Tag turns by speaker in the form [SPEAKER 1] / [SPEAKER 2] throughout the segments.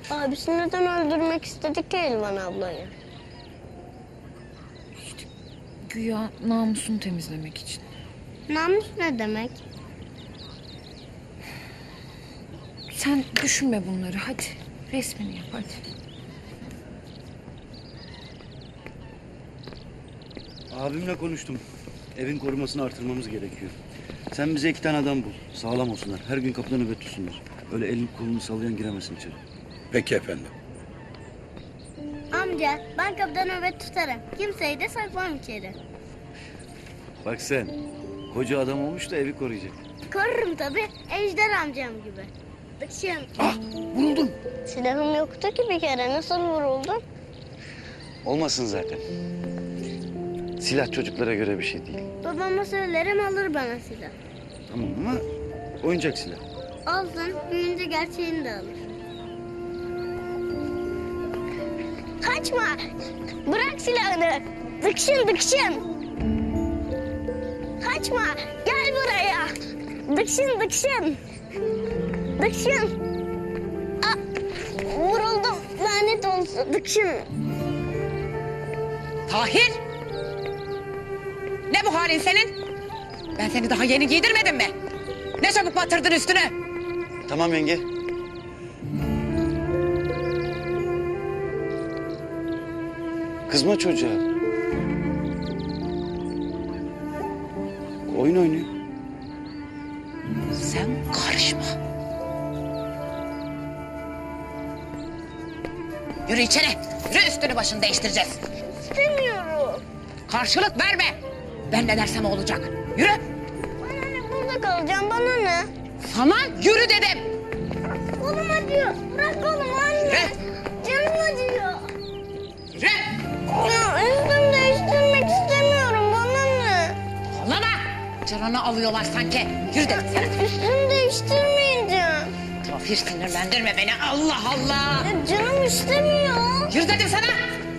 [SPEAKER 1] Abisi neden öldürmek istedi ki Elvan ablayı?
[SPEAKER 2] Güya namusunu temizlemek için.
[SPEAKER 1] Namus ne demek?
[SPEAKER 2] Sen düşünme bunları, hadi. Resmini yap, hadi.
[SPEAKER 3] Abimle konuştum. Evin korumasını artırmamız gerekiyor. Sen bize 2 tane adam bul. Sağlam olsunlar. Her gün kapıda nöbet tutsunlar. Öyle elini kolunu sallayan giremesin içeri.
[SPEAKER 4] Peki efendim.
[SPEAKER 1] Amca ben kapıda nöbet tutarım. Kimseyi de sokmam içeri.
[SPEAKER 3] Bak sen. Koca adam olmuş da evi koruyacak.
[SPEAKER 1] Korurum tabii. Ejder amcam gibi. Dıkşın.
[SPEAKER 4] Ah, vuruldun.
[SPEAKER 1] Silahım yoktu ki bir kere. Nasıl vuruldun?
[SPEAKER 3] Olmasın zaten. Silah çocuklara göre bir şey değil.
[SPEAKER 1] Babama söylerim alır bana silah.
[SPEAKER 3] Tamam ama oyuncak silah.
[SPEAKER 1] Alsın. Büyüyünce gerçeğini de alır. Kaçma. Bırak silahını. Dıkşın dıkşın. Kaçma. Gel buraya. Dıkşın dıkşın. Dıkşın. Aa, vuruldum. Lanet olsun. Dıkşın.
[SPEAKER 5] Tahir! Ne bu halin senin? Ben seni daha yeni giydirmedim mi? Ne çabuk batırdın üstüne?
[SPEAKER 3] Tamam yenge. Kızma çocuğa. Oyun oynuyor.
[SPEAKER 5] Sen karışma. Yürü içeri. Yürü üstünü başını değiştireceğiz.
[SPEAKER 1] İstemiyorum.
[SPEAKER 5] Karşılık verme. Ben ne dersem o olacak. Yürü.
[SPEAKER 1] Bana ne, burada kalacağım. Bana ne?
[SPEAKER 5] Sana yürü dedim.
[SPEAKER 1] Kolum acıyor. Bırak kolumu anne.
[SPEAKER 5] Yürü.
[SPEAKER 1] Canım acıyor.
[SPEAKER 5] Yürü.
[SPEAKER 1] Ya üstümü değiştirmek istemiyorum. Bana ne?
[SPEAKER 5] Kollama. Canını alıyorlar sanki. Yürü dedim sana.
[SPEAKER 1] Üstümü değiştirmeyeceğim.
[SPEAKER 5] Tahir sinirlendirme beni. Allah Allah.
[SPEAKER 1] Ya canım istemiyor.
[SPEAKER 5] Yürü dedim sana.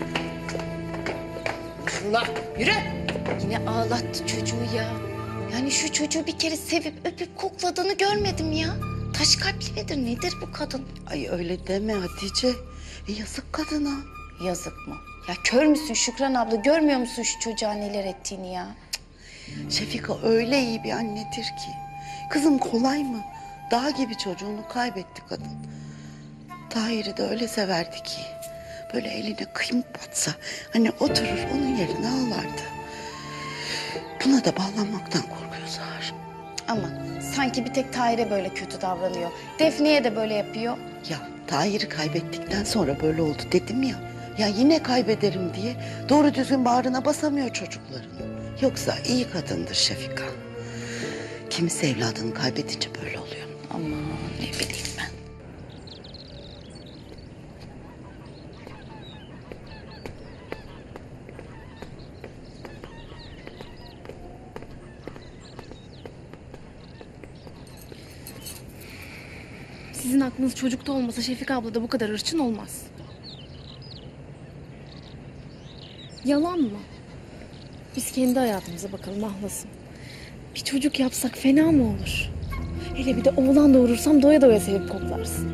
[SPEAKER 5] Allah. Yürü.
[SPEAKER 2] Yine ağlattı çocuğu ya. Yani şu çocuğu bir kere sevip öpüp kokladığını görmedim ya. Taş kalpli midir nedir bu kadın?
[SPEAKER 6] Ay öyle deme Hatice. Yazık kadına.
[SPEAKER 2] Yazık mı? Ya kör müsün Şükran abla, görmüyor musun şu çocuğa neler ettiğini ya?
[SPEAKER 6] Şefika öyle iyi bir annedir ki. Kızım kolay mı? Dağ gibi çocuğunu kaybetti kadın. Tahir'i de öyle severdi ki. Böyle eline kıymık batsa hani oturur onun yerine ağlardı. Buna da bağlanmaktan korkuyor Zahar.
[SPEAKER 2] Ama sanki bir tek Tahir'e böyle kötü davranıyor. Defne'ye de böyle yapıyor.
[SPEAKER 6] Ya Tahir'i kaybettikten sonra böyle oldu dedim ya. Ya yine kaybederim diye doğru düzgün bağrına basamıyor çocukların. Yoksa iyi kadındır Şefika. Kimisi evladını kaybedince böyle oluyor.
[SPEAKER 2] Aman ne bileyim ben.
[SPEAKER 7] Sizin aklınız çocukta olmasa Şefika abla da bu kadar hırçın olmaz. Yalan mı? Biz kendi hayatımıza bakalım ahlasın. Bir çocuk yapsak fena mı olur? Hele bir de oğlan doğurursam doya doya sevip koklarsın.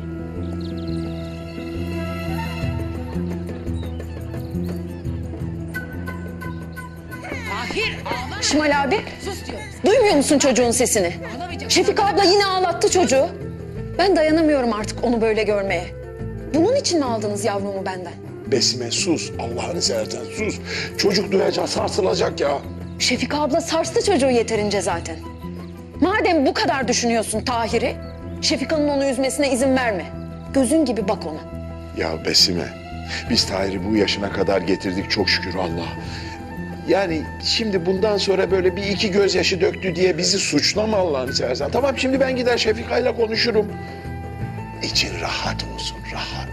[SPEAKER 5] Tahir ağlama.
[SPEAKER 8] Şimal abi,
[SPEAKER 5] Sus diyorum.
[SPEAKER 8] duymuyor musun çocuğun sesini?
[SPEAKER 5] Ağlamayacak.
[SPEAKER 8] Şefika abla yine ağlattı çocuğu. Ben dayanamıyorum artık onu böyle görmeye. Bunun için mi aldınız yavrumu benden?
[SPEAKER 4] Besime sus. Allah'ını seversen sus. Çocuk duyacak, sarsılacak ya.
[SPEAKER 8] Şefika abla sarstı çocuğu yeterince zaten. Madem bu kadar düşünüyorsun Tahir'i, Şefika'nın onu üzmesine izin verme. Gözün gibi bak ona.
[SPEAKER 4] Ya Besime, biz Tahir'i bu yaşına kadar getirdik çok şükür Allah. Yani şimdi bundan sonra böyle bir iki gözyaşı döktü diye bizi suçlama Allah'ını seversen. Tamam şimdi ben gider Şefika'yla konuşurum. İçin rahat olsun, rahat.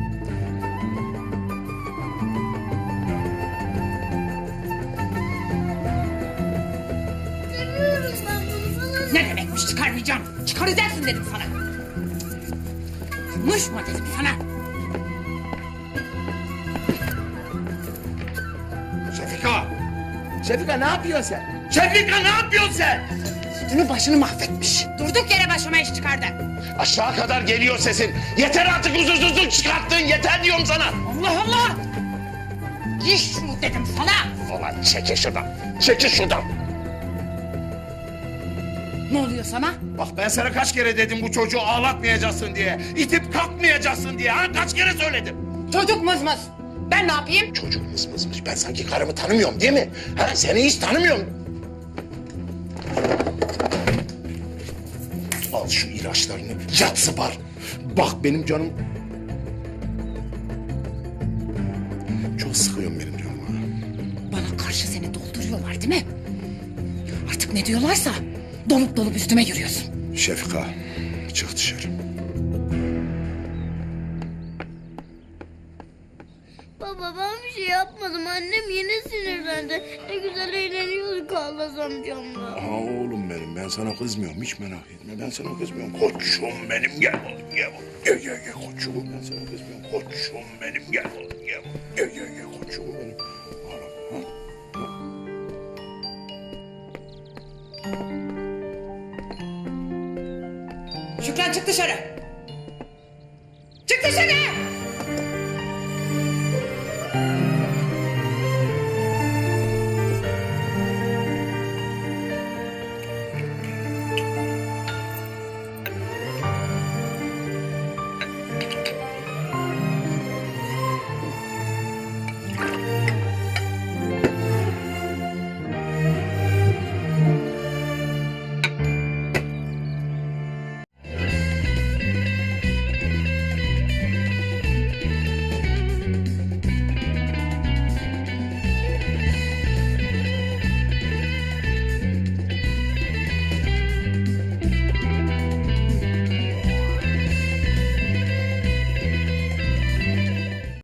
[SPEAKER 5] Ne demekmiş çıkarmayacağım? Çıkaracaksın dedim sana. Konuşma dedim sana.
[SPEAKER 4] Şefika! Şefika ne yapıyorsun sen? Şefika ne yapıyorsun sen?
[SPEAKER 5] Üstünü başını mahvetmiş. Durduk yere başıma iş çıkardı.
[SPEAKER 4] Aşağı kadar geliyor sesin. Yeter artık huzursuzluk çıkarttın. Yeter diyorum sana.
[SPEAKER 5] Allah Allah! Giy şunu dedim sana.
[SPEAKER 4] Ulan çekil şuradan. Çekil şuradan.
[SPEAKER 5] Ne oluyor sana?
[SPEAKER 4] Bak ben sana kaç kere dedim bu çocuğu ağlatmayacaksın diye. İtip kalkmayacaksın diye. Ha? Kaç kere söyledim.
[SPEAKER 5] Çocuk mızmız. Ben ne yapayım?
[SPEAKER 4] Çocuk mızmızmış. Ben sanki karımı tanımıyorum değil mi? Ha? Seni hiç tanımıyorum. Al şu ilaçlarını. Yat sıpar. Bak benim canım... Çok sıkıyorum benim canım. Ha.
[SPEAKER 5] Bana karşı seni dolduruyorlar değil mi? Artık ne diyorlarsa dolup dolup üstüme yürüyorsun.
[SPEAKER 4] Şefika, çık dışarı.
[SPEAKER 1] Baba ben bir şey yapmadım. Annem yine sinirlendi. Ne güzel eğleniyorduk Allah'ız amcamla.
[SPEAKER 4] Aha oğlum benim, ben sana kızmıyorum, hiç merak etme. Ben sana kızmıyorum. Koçum benim, gel oğlum, gel oğlum. Gel, gel, gel koçum, ben sana kızmıyorum. Koçum benim, gel oğlum, gel oğlum. Gel, gel, gel koçum benim. Oğlum, ha?
[SPEAKER 5] Şükran çık dışarı. Çık dışarı!